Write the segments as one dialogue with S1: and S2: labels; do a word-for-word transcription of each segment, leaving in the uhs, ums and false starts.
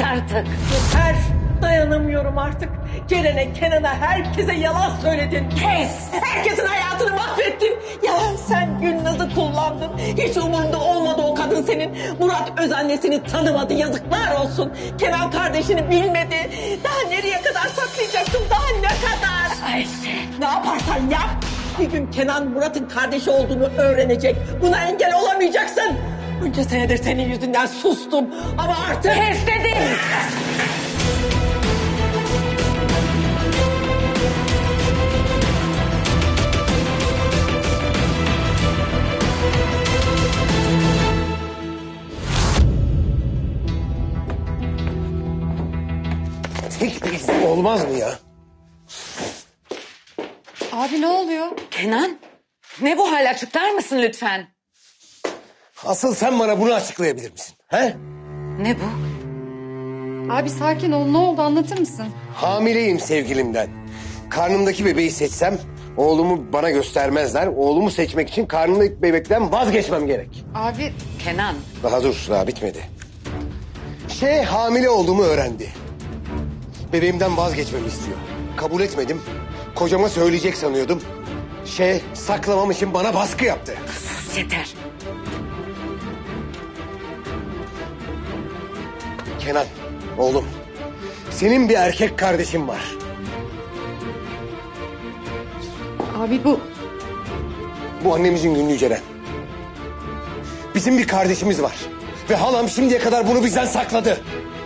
S1: artık.
S2: Yeter. Dayanamıyorum artık. Ceren'e, Kenan'a, herkese yalan söyledin.
S1: Kes!
S2: Herkesin hayatını mahvettin. Ya sen Gülnaz'ı kullandın. Hiç umurunda olmadı o kadın senin. Murat öz annesini tanımadı. Yazıklar olsun. Kenan kardeşini bilmedi. Daha nereye kadar saklayacaksın? Daha ne kadar?
S1: Ayşe.
S2: Ne yaparsan yap. Bir gün Kenan Murat'ın kardeşi olduğunu öğrenecek. Buna engel olamayacaksın. Bunca senedir senin yüzünden sustum. Ama artık...
S1: Kes dedim!
S3: Tek bir izin olmaz mı ya?
S4: Abi ne oluyor?
S1: Kenan, ne bu hal, açıklar mısın lütfen?
S3: Asıl sen bana bunu açıklayabilir misin? He?
S1: Ne bu?
S4: Abi sakin ol, ne oldu anlatır mısın?
S3: Hamileyim sevgilimden. Karnımdaki bebeği seçsem oğlumu bana göstermezler. Oğlumu seçmek için karnımdaki bebekten vazgeçmem gerek.
S4: Abi
S1: Kenan,
S3: Daha dur, daha bitmedi. Şey hamile olduğumu öğrendi. Bebeğimden vazgeçmemi istiyor. Kabul etmedim. Kocama söyleyecek sanıyordum. Şey saklamam için bana baskı yaptı.
S1: sus yeter.
S3: Kenan, oğlum. Senin bir erkek kardeşin var.
S4: abi bu
S3: Bu annemizin günlüğü Ceren. Bizim bir kardeşimiz var. Ve halam şimdiye kadar bunu bizden sakladı.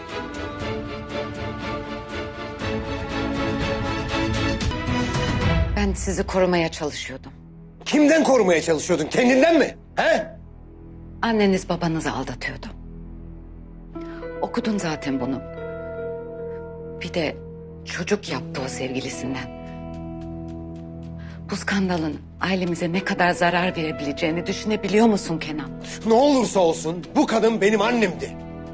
S1: Ben sizi korumaya çalışıyordum.
S3: Kimden korumaya çalışıyordun? Kendinden mi? He?
S1: Anneniz babanızı aldatıyordu. Okudun zaten bunu. Bir de çocuk yaptı o sevgilisinden. Bu skandalın ailemize ne kadar zarar verebileceğini düşünebiliyor musun Kenan?
S3: Ne olursa olsun bu kadın benim annemdi.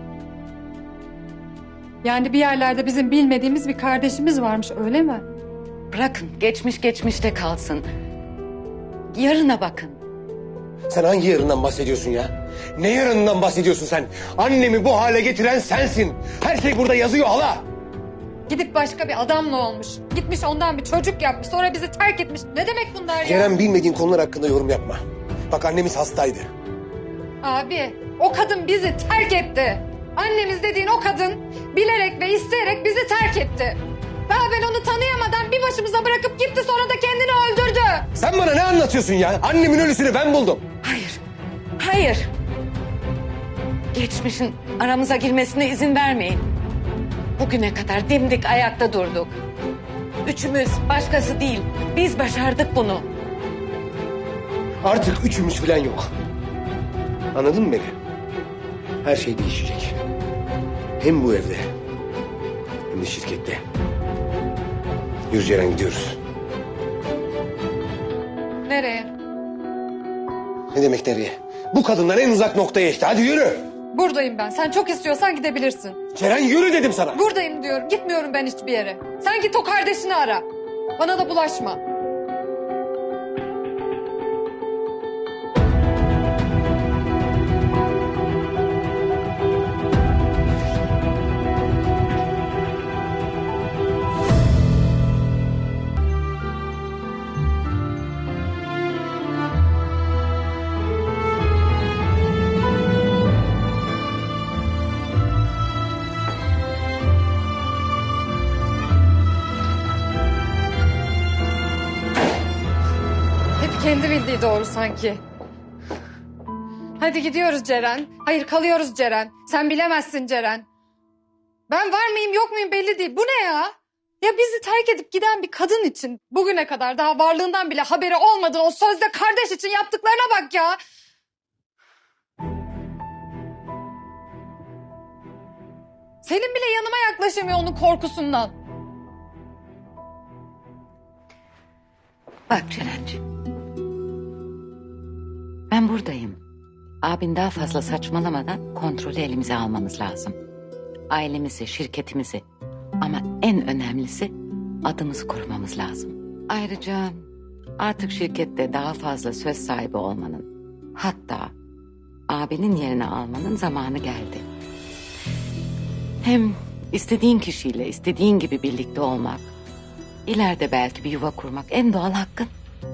S4: yani bir yerlerde bizim bilmediğimiz bir kardeşimiz varmış öyle mi?
S1: Bırakın, geçmiş geçmişte kalsın. Yarına bakın.
S3: Sen hangi yarından bahsediyorsun ya? Ne yarından bahsediyorsun sen? Annemi bu hale getiren sensin. Her şey burada yazıyor hala.
S4: Gidip başka bir adamla olmuş. Gitmiş ondan bir çocuk yapmış sonra bizi terk etmiş. Ne demek bunlar ya?
S3: Ceren bilmediğin konular hakkında yorum yapma. Bak annemiz hastaydı.
S4: Abi o kadın bizi terk etti. Annemiz dediğin o kadın bilerek ve isteyerek bizi terk etti. Daha ben onu tanıyamadan bir başımıza bırakıp gitti sonra da kendini öldürdü.
S3: Sen bana ne anlatıyorsun ya? Annemin ölüsünü ben buldum.
S1: Hayır, hayır. Geçmişin aramıza girmesine izin vermeyin. Bugüne kadar dimdik ayakta durduk. Üçümüz, başkası değil. Biz başardık bunu.
S3: Artık üçümüz falan yok. Anladın mı beni? Her şey değişecek. Hem bu evde hem de şirkette. Yürü Ceren gidiyoruz.
S4: Nereye?
S3: Ne demek nereye? Bu kadından en uzak noktaya işte. Hadi yürü.
S4: Buradayım ben. Sen çok istiyorsan gidebilirsin.
S3: Ceren yürü dedim sana.
S4: Buradayım diyorum. Gitmiyorum ben hiçbir yere. Sen git o kardeşini ara. Bana da bulaşma. Hep kendi bildiği doğru sanki. Hadi gidiyoruz Ceren. Hayır kalıyoruz Ceren. Sen bilemezsin Ceren. Ben var mıyım yok muyum belli değil. Bu ne ya? Ya bizi terk edip giden bir kadın için bugüne kadar daha varlığından bile haberi olmadığı o sözde kardeş için yaptıklarına bak ya. Senin bile yanıma yaklaşamıyor onun korkusundan.
S1: Bak Ceren'ciğim. Ben buradayım. Abin daha fazla saçmalamadan kontrolü elimize almamız lazım. Ailemizi, şirketimizi ama en önemlisi adımızı korumamız lazım. Ayrıca artık şirkette daha fazla söz sahibi olmanın, hatta abinin yerini almanın zamanı geldi. Hem istediğin kişiyle istediğin gibi birlikte olmak, ileride belki bir yuva kurmak en doğal hakkın.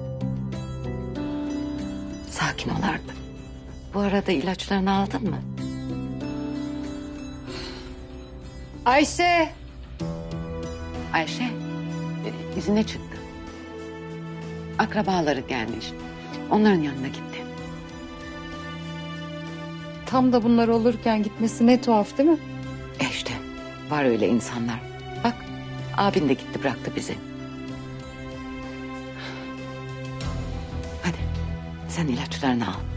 S1: Sakin ol artık. Bu arada ilaçlarını aldın mı?
S4: Ayşe.
S1: Ayşe e, izine çıktı. Akrabaları gelmiş. Onların yanına gitti.
S4: Tam da bunlar olurken gitmesi ne tuhaf değil mi?
S1: E işte var öyle insanlar. Bak abin de gitti bıraktı bizi. Hadi sen ilaçlarını al.